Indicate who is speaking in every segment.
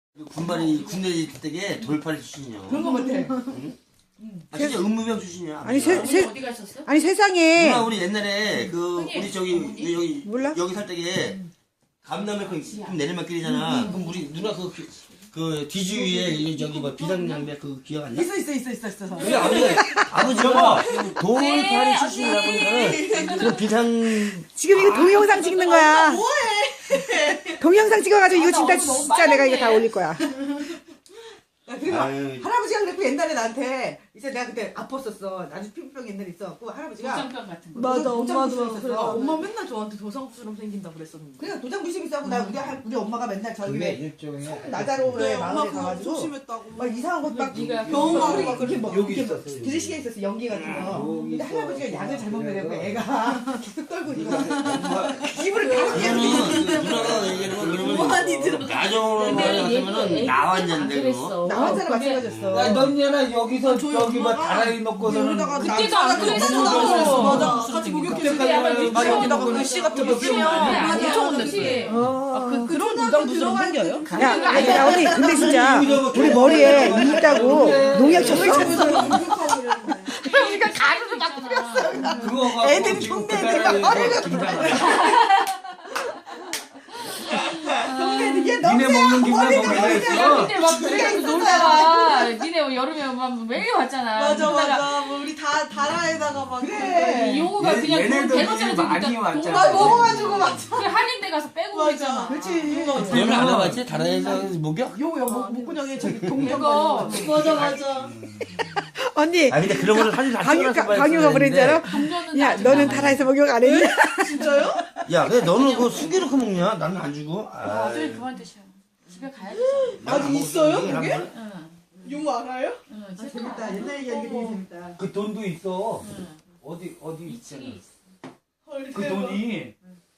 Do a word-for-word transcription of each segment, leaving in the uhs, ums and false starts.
Speaker 1: 군발이 군대 있을 때게 돌팔이 출신이요.
Speaker 2: 그런 거 같아.
Speaker 1: 응? 아 진짜 의무병 출신이야.
Speaker 3: 아니 세, 세,
Speaker 4: 어디 가셨어?
Speaker 3: 아니 세상에
Speaker 1: 누나 우리 옛날에 그 우리 저기 여기
Speaker 3: 몰라?
Speaker 1: 여기 살 때게 감남에 그 내리막길이잖아. 그럼 우리 누나 그 그 뒤주위에 이 저기 뭐 비상장배 그 기억 안 나?
Speaker 2: 있어 있어 있어 있어 있어.
Speaker 1: 우리 아버지 아버지가 돌팔이 출신이라 보니까는 그 비상
Speaker 3: 지금 이거 동영상 찍는 거야. 동영상 찍어가지고 이거 진짜 진짜 내가 이거 다 올릴 거야.
Speaker 2: 그리고
Speaker 1: 아유.
Speaker 2: 할아버지가 그랬고 옛날에 나한테 이제 내가 그때 아팠었어. 나중에 피부병 옛날에 있어갖고 할아버지가
Speaker 4: 도장병 같은 거.
Speaker 5: 맞아, 엄마도
Speaker 2: 있었어.
Speaker 5: 그래. 엄마 맨날 저한테 도상처럼 생긴다 그랬었는데.
Speaker 2: 그냥 도장 부심 있어갖고 나 우리 할- 우리 엄마가 맨날 저기
Speaker 6: 그게
Speaker 2: 왜
Speaker 6: 일종의
Speaker 2: 나자로의
Speaker 5: 네, 엄마
Speaker 2: 마을에
Speaker 5: 그거
Speaker 2: 가가지고
Speaker 5: 조심했다고.
Speaker 2: 막 이상한 것막
Speaker 4: 네가
Speaker 2: 병원 가고
Speaker 5: 병원
Speaker 2: 막 그렇게 뭐
Speaker 6: 여기
Speaker 2: 이렇게
Speaker 6: 있었어, 여기.
Speaker 2: 들으시게 있었어 연기 같은 거.
Speaker 6: 여기
Speaker 2: 근데
Speaker 6: 있어.
Speaker 2: 할아버지가 약을 잘못 먹여고
Speaker 6: 그래서
Speaker 2: 애가 계속 떨고 있는 거야.
Speaker 1: 엄마
Speaker 2: 입을 다
Speaker 1: 그러면 누나가 얘기하는 거 그러면 나정으로 말하면은 나왔는데 그거.
Speaker 2: 나왔잖아 마찬가지였어.
Speaker 6: 야, 넌얘나 여기서 저기 뭐 다라이 놓고서는
Speaker 2: 여기다가
Speaker 4: 그때도 안 그랬어.
Speaker 5: 맞아. 같이 목욕했을 때
Speaker 6: 그때까지는
Speaker 5: 막
Speaker 6: 막
Speaker 5: 여기다가
Speaker 6: 여기
Speaker 5: 글씨 같은 거
Speaker 4: 그치면
Speaker 5: 쓰면
Speaker 4: 아니야.
Speaker 5: 엄청
Speaker 4: 그치?
Speaker 5: 혼냈어요.
Speaker 3: 어.
Speaker 5: 그 그런 무당 무슨 생겨요?
Speaker 3: 야, 아니, 야, 언니, 근데 진짜 우리 머리에 이 있다고 농약 쳤어?
Speaker 4: 우리가 가루를 막 뿌렸어.
Speaker 6: 그거 갖고
Speaker 2: 애들이
Speaker 6: 지금
Speaker 2: 동네
Speaker 6: 그
Speaker 2: 애들
Speaker 6: 다라이
Speaker 2: 막
Speaker 6: 그 김장
Speaker 2: 얘
Speaker 6: 니네 먹는 김장 먹는 애 있어.
Speaker 4: 근데 막 그래가지고 놀다가 니네 뭐 여름에 막 매일 왔잖아.
Speaker 5: 맞아
Speaker 4: 그러다가
Speaker 5: 맞아. 뭐 우리 다 다라에다가 막
Speaker 2: 그래.
Speaker 4: 이 용우가
Speaker 6: 얘-
Speaker 4: 그냥
Speaker 6: 얘네들이
Speaker 4: 대놓자로
Speaker 6: 많이 왔잖아.
Speaker 2: 아 먹어가지고 막.
Speaker 4: 그 한림대 가서 빼고
Speaker 5: 맞아.
Speaker 4: 그랬잖아.
Speaker 2: 그렇지.
Speaker 1: 너는 안 와봤지? 다라에서 목욕?
Speaker 2: 요거 요거 목구멍에 저기 동전
Speaker 4: 이거
Speaker 5: 맞아 맞아.
Speaker 3: 언니,
Speaker 1: 아 근데 그런 거를 사진 다
Speaker 3: 강유,
Speaker 1: 찍어놨어.
Speaker 3: 강유가 그랬잖아.
Speaker 4: 동전은
Speaker 3: 야,
Speaker 4: 아직
Speaker 3: 너는
Speaker 4: 남아있어.
Speaker 3: 타라에서 목욕 안 했니?
Speaker 5: 진짜요?
Speaker 1: 야, 근데 너는 그거 숨겨놓고 먹냐? 나는 안 주고.
Speaker 4: 아,
Speaker 1: 아이,
Speaker 4: 어차피 그만 드셔. 집에 가야지.
Speaker 1: 나는
Speaker 5: 아직
Speaker 1: 안 먹어.
Speaker 5: 있어요,
Speaker 1: 이게 한
Speaker 5: 그게?
Speaker 1: 번-
Speaker 4: 응.
Speaker 5: 용 알아요?
Speaker 4: 응.
Speaker 2: 아,
Speaker 4: 집에
Speaker 2: 재밌다.
Speaker 4: 가.
Speaker 2: 옛날 얘기하니까 되게 재밌다.
Speaker 6: 그 돈도 있어.
Speaker 4: 응.
Speaker 6: 어디 어디 있잖아.
Speaker 4: 이층이 있어.
Speaker 5: 헐
Speaker 6: 그
Speaker 5: 대박.
Speaker 6: 돈이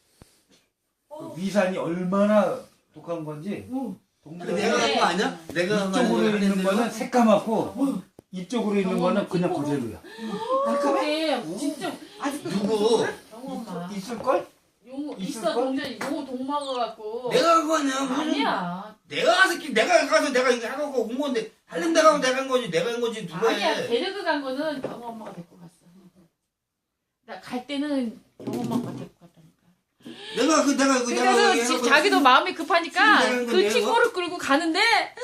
Speaker 6: 그 위산이 얼마나 독한 건지.
Speaker 1: 근데 내가 한 거 아니야? 내가 한 거
Speaker 6: 이쪽으로
Speaker 1: 아니야?
Speaker 6: 있는 거는 새까맣고 이쪽으로 있는 거는 그냥 그대로야.
Speaker 4: 나 그때 진짜
Speaker 2: 아직도
Speaker 1: 누구?
Speaker 4: 영엄마.
Speaker 6: 있을 걸?
Speaker 4: 용우
Speaker 6: 있을
Speaker 4: 있어
Speaker 6: 걸?
Speaker 4: 동전 용우 돈 먹어갖고.
Speaker 1: 내가 한 거 아니야?
Speaker 4: 아니야.
Speaker 1: 내가 가서 끼- 내가 가서 내가 이거 하고 온 건데 할림 내가 하고 내가 한 거지 내가 한 거지 누가
Speaker 4: 아니야.
Speaker 1: 해?
Speaker 4: 데리고 간 거는 경호 엄마가 데리고 갔어. 나 갈 때는 경호 엄마가 데리고 갔다니까.
Speaker 1: 내가 그 내가 그 내가
Speaker 4: 그래서
Speaker 1: 그
Speaker 4: 지-
Speaker 1: 해놓고
Speaker 4: 자기도 마음이 급하니까
Speaker 1: 내가
Speaker 4: 그
Speaker 1: 내가
Speaker 4: 친구를 끌고 가는데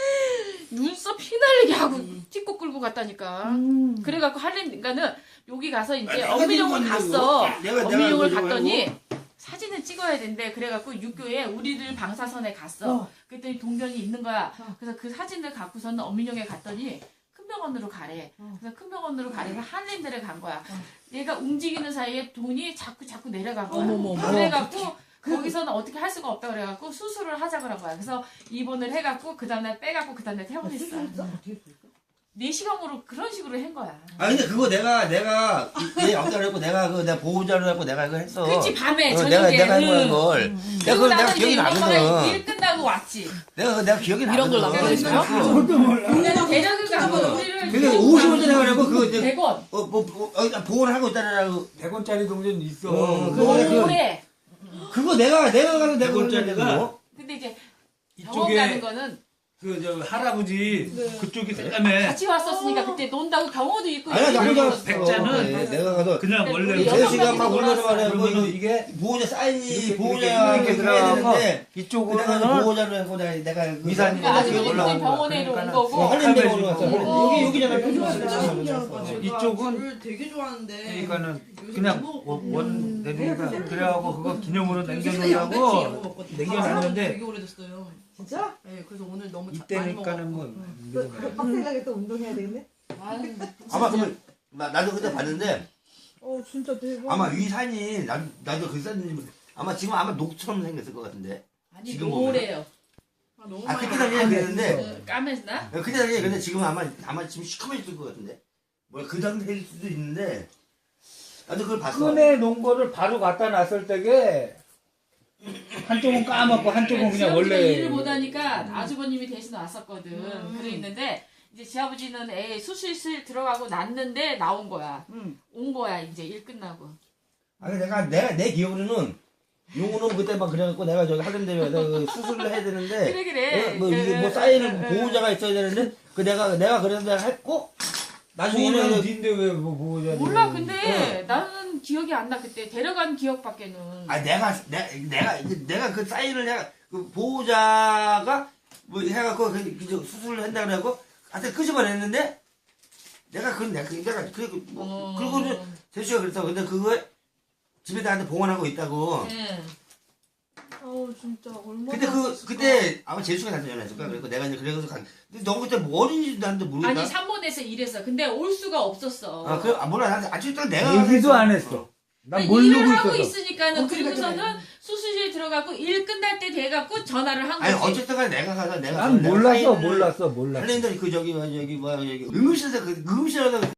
Speaker 4: 눈썹 휘날리게 하고 찍고 끌고 갔다니까. 그래갖고 할림가는 여기 가서 이제
Speaker 1: 내가
Speaker 4: 엄밀용을
Speaker 1: 들고
Speaker 4: 갔어.
Speaker 1: 왔냐고. 내가- 내가
Speaker 4: 엄밀용을
Speaker 1: 그거
Speaker 4: 갔더니 사진을 찍어야 된대. 그래갖고 육교에 우리들 방사선에 갔어.
Speaker 2: 어.
Speaker 4: 그랬더니 동전이 있는 거야. 그래서 그 사진을 갖고서는 엄밀용에 갔더니 큰 병원으로 가래. 그래서 큰 병원으로 가래서 한림대를 간 거야. 얘가 움직이는 사이에 돈이 자꾸 자꾸 내려간 거야.
Speaker 5: 어머머머.
Speaker 4: 그래갖고 거기서는 어떻게 할 수가 없다 그래갖고 수술을 하자 그런 거야. 그래서 입원을 해갖고 그 다음날 빼갖고 그 다음날 퇴원했어. 내시경으로 그런 식으로 한 거야.
Speaker 1: 아 근데 그거 내가 내가 얘 없다 그랬고 내가 그 내가 보호자로 해갖고 내가 이거 했어.
Speaker 4: 그치 밤에
Speaker 1: 어,
Speaker 4: 저녁에.
Speaker 1: 내가 내가 한 거야
Speaker 4: 응.
Speaker 1: 그걸. 내가
Speaker 4: 그리고
Speaker 1: 그걸 내가
Speaker 4: 나서
Speaker 1: 기억이
Speaker 4: 이제 엄마가
Speaker 1: 나거든.
Speaker 4: 일 끝나고 왔지.
Speaker 1: 내가 그거 내가 기억이 나거든.
Speaker 5: 걸 남겨놨어요?
Speaker 4: 그냥 데려가 갖고 우리를
Speaker 1: 그게 오십 원짜리 하려고 그거 이제
Speaker 4: 백 원.
Speaker 1: 어뭐 뭐, 어, 보호를 하고 있다라고.
Speaker 6: 백 원짜리 동전 있어.
Speaker 1: 어,
Speaker 6: 그거
Speaker 1: 그거 그-
Speaker 4: 오래.
Speaker 1: 그거 내가 내가 가서 내가
Speaker 6: 백 원짜리가
Speaker 1: 그거.
Speaker 4: 근데 이제 병원 가는
Speaker 6: 이쪽에
Speaker 4: 거는
Speaker 6: 그 저 할아버지 그쪽이 새까매.
Speaker 4: 같이 왔었으니까 그때 논다고 경호도 있고
Speaker 1: 아니야 나 혼자 갔어.
Speaker 6: 백자는
Speaker 1: 네, 내가 가서
Speaker 6: 그냥
Speaker 4: 근데
Speaker 6: 원래
Speaker 4: 우리
Speaker 1: 제
Speaker 4: 여섯
Speaker 1: 시간 막
Speaker 4: 명이서
Speaker 1: 올라서
Speaker 4: 놀았어.
Speaker 1: 말해
Speaker 6: 그러면 이게
Speaker 1: 보호자 사인이
Speaker 6: 이렇게
Speaker 1: 보호자가
Speaker 6: 이렇게
Speaker 1: 해야
Speaker 6: 들어가고
Speaker 1: 되는데 내가
Speaker 6: 이쪽으로는
Speaker 1: 보호자로 하고 내가 내가 그-
Speaker 6: 위산이
Speaker 4: 그러니까 아직
Speaker 1: 여기
Speaker 4: 우리
Speaker 1: 올라온
Speaker 4: 그때
Speaker 1: 거야.
Speaker 4: 병원에 온
Speaker 6: 그러니까는
Speaker 4: 거고.
Speaker 1: 어, 한림대로
Speaker 6: 어.
Speaker 1: 올라갔어.
Speaker 4: 어.
Speaker 1: 여기 여기 잖아
Speaker 5: 진짜 신기하다.
Speaker 1: 어.
Speaker 5: 제가
Speaker 6: 이쪽은
Speaker 5: 귤을 되게 좋아하는데.
Speaker 6: 그러니까는
Speaker 5: 요새
Speaker 6: 그냥
Speaker 5: 못
Speaker 6: 원,
Speaker 5: 먹거든요.
Speaker 6: 원 내리니까 그래갖고 그거 기념으로
Speaker 5: 요새 양배추 이런 거
Speaker 6: 남겨놓으려고
Speaker 5: 먹거든요.
Speaker 6: 남겨놨는데
Speaker 5: 되게 오래됐어요.
Speaker 2: 진짜?
Speaker 5: 네, 그래서 오늘 너무 자- 많이
Speaker 6: 이때니까는 뭐
Speaker 2: 그 빡세게 또 운동해야 되겠네.
Speaker 4: 아유,
Speaker 1: 아마 그러면 나, 나도 그때 봤는데
Speaker 5: 어 진짜 대박.
Speaker 1: 아마 위산이 나, 나도 그 사진 아마 지금 아마 녹처럼 생겼을 것 같은데
Speaker 4: 아니
Speaker 1: 지금
Speaker 4: 노래요.
Speaker 5: 아, 너무
Speaker 1: 아
Speaker 5: 많이
Speaker 1: 그때 당시에 그랬는데
Speaker 4: 그 까매나?
Speaker 1: 그때 당시에 근데 지금 아마 아마 지금 시커매졌을 것 같은데 뭐 그 상태일 수도 있는데 나도 그걸 봤어.
Speaker 6: 끈에 놓은 거를 바로 갖다 놨을 때게 한쪽은 까맣고 한쪽은 그냥
Speaker 4: 지아버지가
Speaker 6: 원래
Speaker 4: 일을 못하니까 아주버님이 대신 왔었거든. 그래 있는데 이제 지아버지는 애 수술실 들어가고 났는데 나온 거야.
Speaker 2: 응.
Speaker 4: 온 거야 이제 일 끝나고.
Speaker 1: 아니 내가 내가 내 기억으로는 용우는 그때 막 그래갖고 내가 저기 할렘대에 그 수술을 해야 되는데
Speaker 4: 그래 그래.
Speaker 1: 어, 뭐 이게 뭐
Speaker 4: 그,
Speaker 1: 사인을
Speaker 4: 그,
Speaker 1: 보호자가 있어야 되는데 그 내가 내가 그래서 내가 했고 나중에는
Speaker 6: 보호자는 닌데 왜뭐 보호자?
Speaker 4: 몰라 근데 나는 기억이 안 나 그때 데려간 기억밖에는.
Speaker 1: 아 내가 내가 내가 내가 그 사인을 내가 그 보호자가 뭐 해갖고 그, 그 수술을 한다 그래갖고 하여튼 끄집어냈는데 내가 그 내가 그 내가 그 뭐,
Speaker 4: 어.
Speaker 1: 그거를 제수가 그랬어. 근데 그거 집에다 한테 봉헌하고 있다고.
Speaker 4: 응.
Speaker 5: 아우 진짜 얼마나.
Speaker 1: 근데 그
Speaker 5: 아팠을까.
Speaker 1: 그때 아마 제수가 나한테 전화했을까. 그래서 내가 이제 그래서 간. 근데 너 그때 뭐 어린이도 나한테 모르겠다.
Speaker 4: 아니 산모대에서 일했어. 근데 올 수가 없었어.
Speaker 1: 아, 그, 아, 몰라. 나한테 아직도 내가.
Speaker 6: 얘기도 안 했어. 난 모르고
Speaker 4: 일을 하고
Speaker 6: 있었어.
Speaker 4: 있으니까는
Speaker 2: 어, 그러니까
Speaker 4: 그리고서는 수술실에 들어가고 일 끝날 때 돼갖고 전화를 한
Speaker 1: 아니,
Speaker 4: 거지.
Speaker 1: 어쨌든 간에 내가 가서 내가.
Speaker 6: 난
Speaker 1: 내가
Speaker 6: 몰랐어,
Speaker 1: 사인을
Speaker 6: 몰랐어, 몰랐어.
Speaker 1: 할랜드 그 저기, 뭐, 저기, 뭐, 여기, 응급실에서 그, 응급실에서